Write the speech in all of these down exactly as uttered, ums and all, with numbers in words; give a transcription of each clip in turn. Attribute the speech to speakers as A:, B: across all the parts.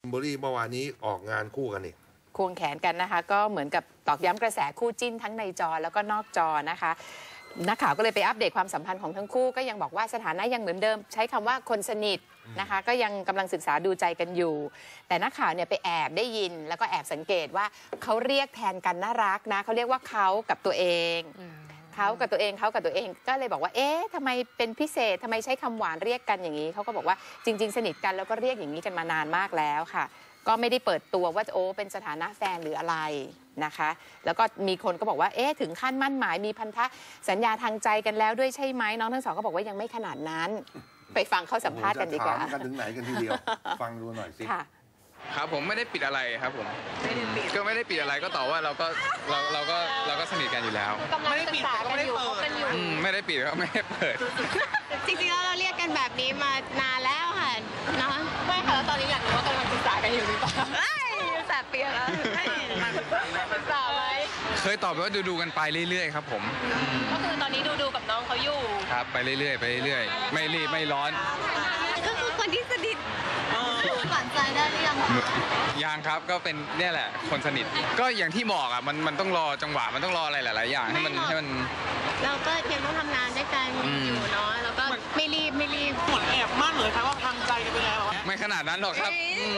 A: เบอรี่เมื่อวานนี้ออกงานคู่กันนี่
B: ควงแขนกันนะคะก็เหมือนกับตอกย้ำกระแสคู่จิ้นทั้งในจอแล้วก็นอกจอนะคะนักข่าวก็เลยไปอัปเดตความสัมพันธ์ของทั้งคู่ก็ยังบอกว่าสถานะยังเหมือนเดิมใช้คำว่าคนสนิทนะคะก็ยังกำลังศึกษาดูใจกันอยู่แต่นักข่าวเนี่ยไปแอบได้ยินแล้วก็แอบสังเกตว่าเขาเรียกแทนกันน่ารักนะเขาเรียกว่าเขากับตัวเองเขากับตัวเองเขากับตัวเองก็เลยบอกว่าเอ๊ะทำไมเป็นพิเศษทำไมใช้คำหวานเรียกกันอย่างนี้เขาก็บอกว่าจริงๆสนิทกันแล้วก็เรียกอย่างนี้กันมานานมากแล้วค่ะก็ไม่ได้เปิดตัวว่าโอ้เป็นสถานะแฟนหรืออะไรนะคะแล้วก็มีคนก็บอกว่าเอ๊ะถึงขั้นมั่นหมายมีพันธสัญญาทางใจกันแล้วด้วยใช่ไหมน้องทั้งสองก็บอกว่ายังไม่ขนาดนั้นไปฟังเขาสัมภาษณ์กันดีกว่า
A: ถามกันถึงไหนกันทีเดียวฟังดูหน่อยสิ
C: ครับผมไม่ได้ปิดอะไรครับผมก็ไม่ได้ปิดอะไรก็ตอบว่าเราก็เราเราก็เราก็สนิทกันอยู่แล้ว
D: ไม่ได้ปิดก็ไม่ได้เปิด
C: ไม่ได้ปิดก็ไม่ได้เปิด
D: จริงๆแล้วเราเรียกกันแบบนี้มานานแล้วค่ะเนาะไม่ค่ะแล้วตอนนี้อยากรู้ว่ากำลังศึกษากันอยู่หรือเปล่าแสบเปียแล้วศึกษาไหม
C: เคยตอบไปว่าดูดูกันไปเรื่อยๆครับผม
D: ก็คือตอนนี้ดูดูกับน้องเขาอยู่
C: ครับไปเรื่อยๆไปเรื่อยๆไม่รีบไม่ร้อน
D: ก็คือคนที่สนิทหวานใจได้หรือยัง
C: ยังครับก็เป็นเนี่ยแหละคนสนิทก็อย่างที่บอกอ่ะมันมันต้องรอจังหวะมันต้องรออะไรหลายๆอย่างให้มันให้มัน
D: เราก็ยังต้องทำงานด้วยกันอยู่เนาะแล้วก็ไม่รีบไม่รีบ
E: เหมือนแอบมากเลยครับว่าทางใจกันไปแล้ว
C: ไม่ขนาดนั้นหรอกครับ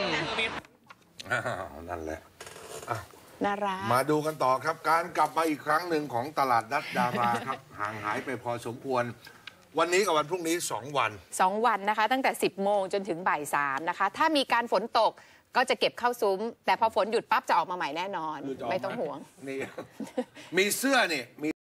A: นั่นแหละ
B: น่ารัก
A: มาดูกันต่อครับการกลับมาอีกครั้งหนึ่งของตลาดนัดดาราครับห่างหายไปพอสมควรวันนี้กับวันพรุ่งนี้สองวัน
B: สองวันนะคะตั้งแต่สิบโมงจนถึงบ่ายสามนะคะถ้ามีการฝนตกก็จะเก็บเข้าซุ้มแต่พอฝนหยุดปั๊บจะออกมาใหม่แน่นอนไม่ต้องห่วง
A: นี่มีเสื้อนี่มี